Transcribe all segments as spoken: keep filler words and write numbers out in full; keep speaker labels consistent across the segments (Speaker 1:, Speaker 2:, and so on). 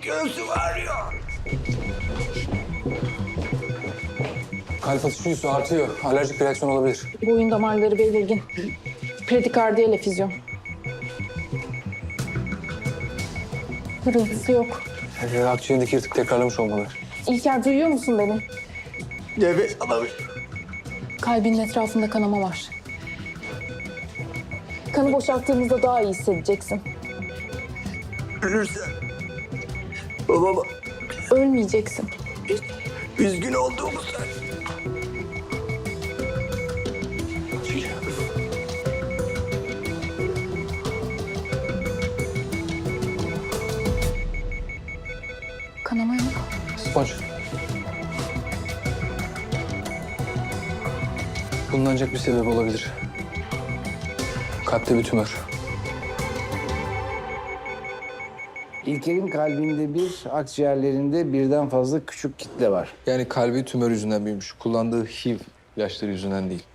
Speaker 1: Göğsüm ağrıyor.
Speaker 2: Kalp atışı yüzü artıyor. Alerjik bir reaksiyon olabilir.
Speaker 3: Boyun damarları belirgin. Predikardiyal efüzyon. Hırıltısı yok.
Speaker 2: Ee, akciğerdeki yırtık tekrarlamış olmalı.
Speaker 3: İlker duyuyor musun beni?
Speaker 1: Nefes alamıyorum.
Speaker 3: Kalbinin etrafında kanama var. Kanı boşalttığımızda daha iyi hissedeceksin.
Speaker 1: Ölürsem babama
Speaker 3: Ölmeyeceksin.
Speaker 1: üzgün olduğumu söyle.
Speaker 3: Kanama yok.
Speaker 2: Sponç. Bulunacak bir sebep olabilir. Kalpte bir tümör.
Speaker 4: İlker'in kalbinde bir, akciğerlerinde birden fazla küçük kitle var.
Speaker 2: Yani kalbi tümör yüzünden büyümüş. Kullandığı H I V ilaçları yüzünden değil.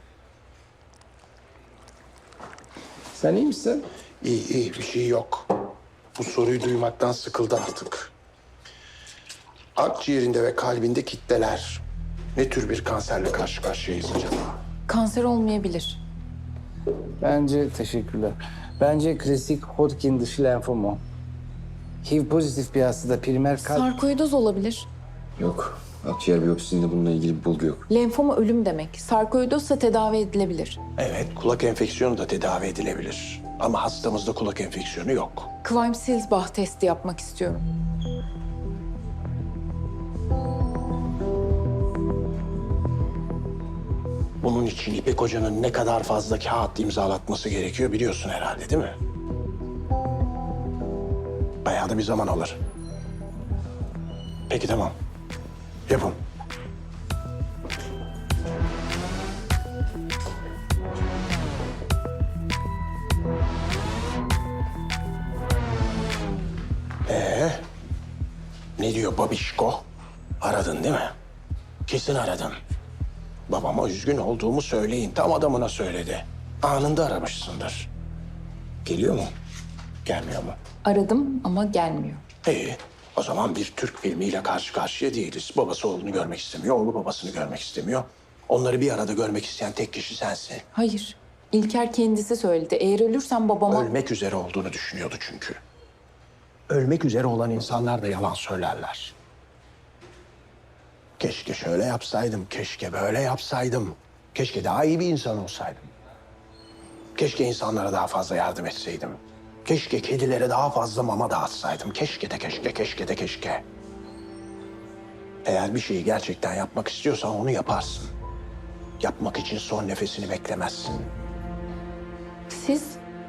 Speaker 4: Sen iyi misin?
Speaker 5: İyi iyi bir şey yok. Bu soruyu duymaktan sıkıldı artık. Akciğerinde ve kalbinde kitleler. Ne tür bir kanserle karşı karşıyayız acaba?
Speaker 3: Kanser olmayabilir.
Speaker 4: Bence teşekkürler. Bence klasik Hodgkin dışı lenfoma. H I V pozitif bir hastada primer kalp...
Speaker 3: Sarkoidoz olabilir.
Speaker 6: Yok. Akciğer biyopsisinde bununla ilgili bir bulgu yok.
Speaker 3: Lenfoma ölüm demek. Sarkoidozsa tedavi edilebilir.
Speaker 5: Evet, kulak enfeksiyonu da tedavi edilebilir. Ama hastamızda kulak enfeksiyonu yok.
Speaker 3: Quine-Silsbach testi yapmak istiyorum.
Speaker 5: Bunun için İpek Hoca'nın ne kadar fazla kağıt imzalatması gerekiyor biliyorsun herhalde, değil mi? Bayağı da bir zaman alır. Peki tamam. Yapın. Ee, ne diyor babişko? Aradın değil mi? Kesin aradın. Babama üzgün olduğumu söyleyin. Tam adamına söyledi. Anında aramışsındır. Geliyor mu? Gelmiyor mu?
Speaker 3: Aradım ama gelmiyor.
Speaker 5: İyi. O zaman bir Türk filmiyle karşı karşıya değiliz. Babası oğlunu görmek istemiyor, oğlu babasını görmek istemiyor. Onları bir arada görmek isteyen tek kişi sensin.
Speaker 3: Hayır. İlker kendisi söyledi. Eğer ölürsem babama...
Speaker 5: Ölmek üzere olduğunu düşünüyordu çünkü. Ölmek üzere olan insanlar da yalan söylerler. Keşke şöyle yapsaydım, keşke böyle yapsaydım. Keşke daha iyi bir insan olsaydım. Keşke insanlara daha fazla yardım etseydim. Keşke kedilere daha fazla mama dağıtsaydım. Keşke de keşke, keşke de keşke. Eğer bir şeyi gerçekten yapmak istiyorsan onu yaparsın. Yapmak için son nefesini beklemezsin.
Speaker 3: Siz...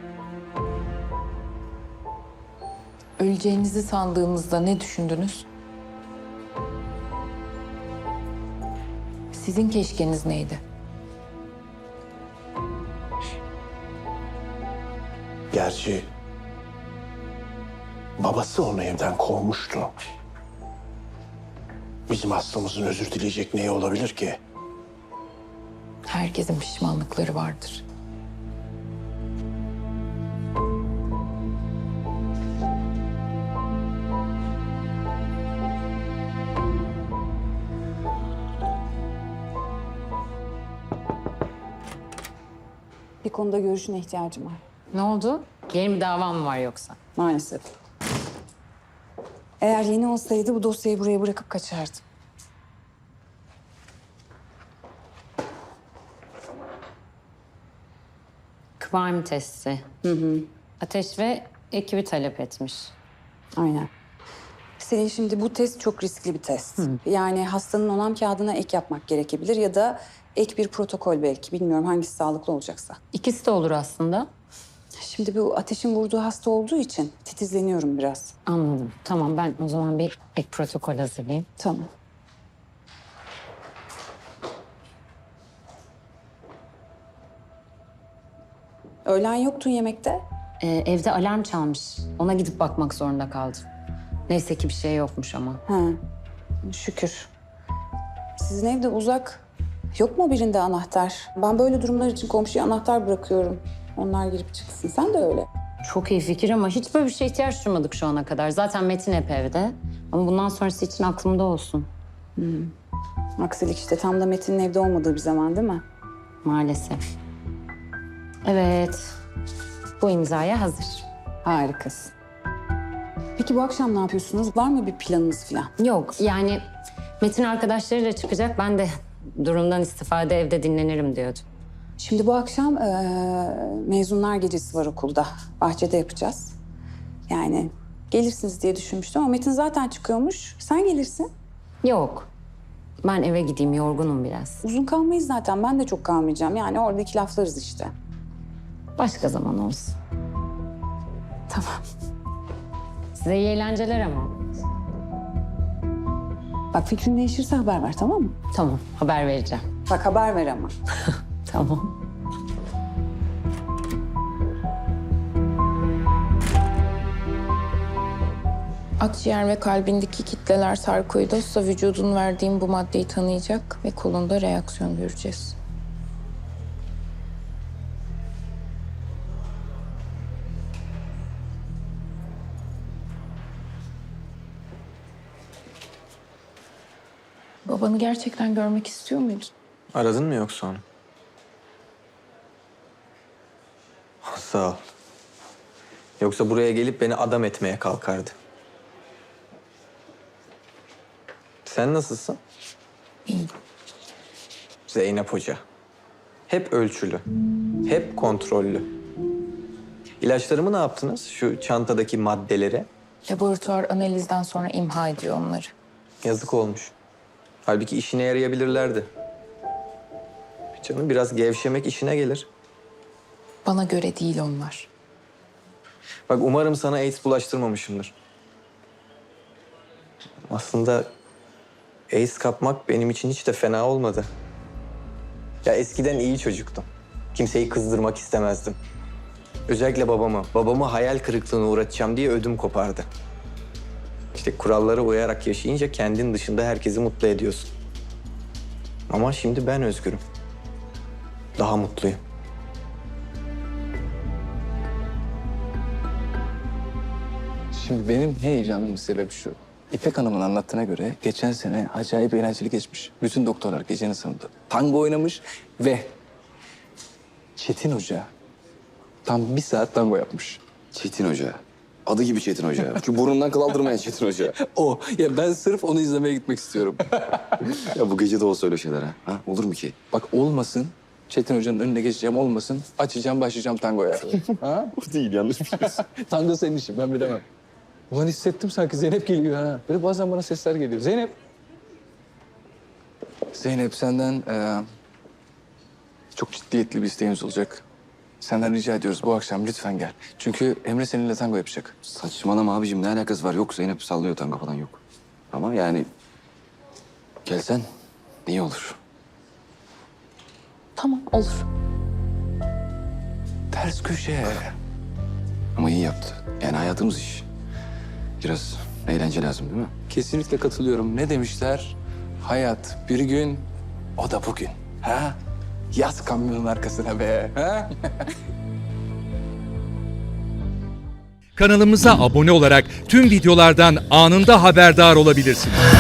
Speaker 3: Öleceğinizi sandığınızda ne düşündünüz? Sizin keşkeniz neydi?
Speaker 5: Gerçi babası onu evden kovmuştu. Bizim hastamızın özür dileyecek neyi olabilir ki?
Speaker 3: Herkesin pişmanlıkları vardır.
Speaker 7: Bir konuda görüşüne ihtiyacım var.
Speaker 8: Ne oldu? Yeni bir davam mı var yoksa?
Speaker 7: Maalesef. Eğer yeni olsaydı bu dosyayı buraya bırakıp kaçardım.
Speaker 8: Kıvam testi. Hı hı. Ateş ve ekibi talep etmiş.
Speaker 7: Aynen. Senin şimdi bu test çok riskli bir test. Yani hastanın onam kağıdına ek yapmak gerekebilir ya da ek bir protokol belki. Bilmiyorum hangisi sağlıklı olacaksa.
Speaker 8: İkisi de olur aslında.
Speaker 7: Şimdi bu ateşin vurduğu hasta olduğu için titizleniyorum biraz.
Speaker 8: Anladım. Tamam, ben o zaman bir ek protokol hazırlayayım.
Speaker 7: Tamam. Öğlen yoktun yemekte.
Speaker 8: Ee, evde alarm çalmış. Ona gidip bakmak zorunda kaldım. Neyse ki bir şey yokmuş ama.
Speaker 7: Ha, şükür. Sizin evde uzak. Yok mu birinde anahtar? Ben böyle durumlar için komşuya anahtar bırakıyorum. Onlar girip çıksın. Sen de öyle.
Speaker 8: Çok iyi fikir ama hiç böyle bir şeye ihtiyaç duymadık şu ana kadar. Zaten Metin hep evde. Ama bundan sonrası için aklımda olsun.
Speaker 7: Aksilik işte, tam da Metin'in evde olmadığı bir zaman değil mi?
Speaker 8: Maalesef. Evet. Bu imzaya hazır.
Speaker 7: Harikasın. Peki bu akşam ne yapıyorsunuz? Var mı bir planınız falan?
Speaker 8: Yok yani Metin arkadaşlarıyla çıkacak. Ben de durumdan istifade evde dinlenirim diyordu.
Speaker 7: Şimdi bu akşam eee, mezunlar gecesi var okulda. Bahçede yapacağız. Yani gelirsiniz diye düşünmüştüm ama Metin zaten çıkıyormuş. Sen gelirsin.
Speaker 8: Yok. Ben eve gideyim, yorgunum biraz.
Speaker 7: Uzun kalmayız zaten. Ben de çok kalmayacağım. Yani orada iki laflarız işte.
Speaker 8: Başka zaman olsun.
Speaker 7: Tamam.
Speaker 8: Size iyi eğlenceler ama.
Speaker 7: Bak fikrin değişirse haber ver, tamam mı?
Speaker 8: Tamam, haber vereceğim.
Speaker 7: Bak haber ver ama.
Speaker 8: Tamam.
Speaker 3: Akciğer ve kalbindeki kitleler sarkoidozsa vücudun verdiğin bu maddeyi tanıyacak ve kolunda reaksiyon göreceğiz. Babanı gerçekten görmek istiyor muydun?
Speaker 9: Aradın mı yoksa onu? Sağ ol. Yoksa buraya gelip beni adam etmeye kalkardı. Sen nasılsın?
Speaker 3: İyi.
Speaker 9: Zeynep Hoca. Hep ölçülü. Hep kontrollü. İlaçlarımı ne yaptınız? Şu çantadaki maddeleri.
Speaker 3: Laboratuvar analizden sonra imha ediyor onları.
Speaker 9: Yazık olmuş. Halbuki işine yarayabilirlerdi. Canım biraz gevşemek işine gelir.
Speaker 3: Bana göre değil onlar.
Speaker 9: Bak umarım sana AIDS bulaştırmamışımdır. Aslında AIDS kapmak benim için hiç de fena olmadı. Ya eskiden iyi çocuktum. Kimseyi kızdırmak istemezdim. Özellikle babamı. Babamı hayal kırıklığına uğratacağım diye ödüm kopardı. İşte kurallara uyarak yaşayınca kendin dışında herkesi mutlu ediyorsun. Ama şimdi ben özgürüm. Daha mutluyum.
Speaker 2: Şimdi benim heyecanımın sebebi şu. İpek Hanım'ın anlattığına göre geçen sene acayip eğlenceli geçmiş. Bütün doktorlar gecenin sonunda tango oynamış ve Çetin Hoca tam bir saat tango yapmış.
Speaker 6: Çetin Hoca. Adı gibi Çetin Hoca. Şu burnundan kıl aldırmayan Çetin Hoca.
Speaker 2: O. Ya ben sırf onu izlemeye gitmek istiyorum.
Speaker 6: Ya bu gece de olsa öyle şeyler ha. ha? Olur mu ki?
Speaker 2: Bak olmasın. Çetin Hoca'nın önüne geçeceğim olmasın. Açacağım başlayacağım tangoya. Ha?
Speaker 6: Bu değil, yanlış biliyorsun.
Speaker 2: Tango senin işin, ben bilemem. Ulan hissettim sanki Zeynep geliyor ha. Böyle bazen bana sesler geliyor. Zeynep. Zeynep senden eee, çok ciddiyetli bir isteğimiz olacak. Senden rica ediyoruz bu akşam lütfen gel. Çünkü Emre seninle tango yapacak.
Speaker 6: Saçmalama abicim, ne alakası var? Yok, Zeynep sallıyor, tango falan yok. Ama yani gelsen iyi olur.
Speaker 3: Tamam, olur.
Speaker 2: Ters köşe.
Speaker 6: Ama iyi yaptı. Yani hayatımız iş. Biraz eğlence lazım değil mi?
Speaker 2: Kesinlikle katılıyorum. Ne demişler? Hayat bir gün, o da bugün. Ha? Yaz kamyonun arkasına be. Ha?
Speaker 10: Kanalımıza abone olarak tüm videolardan anında haberdar olabilirsiniz.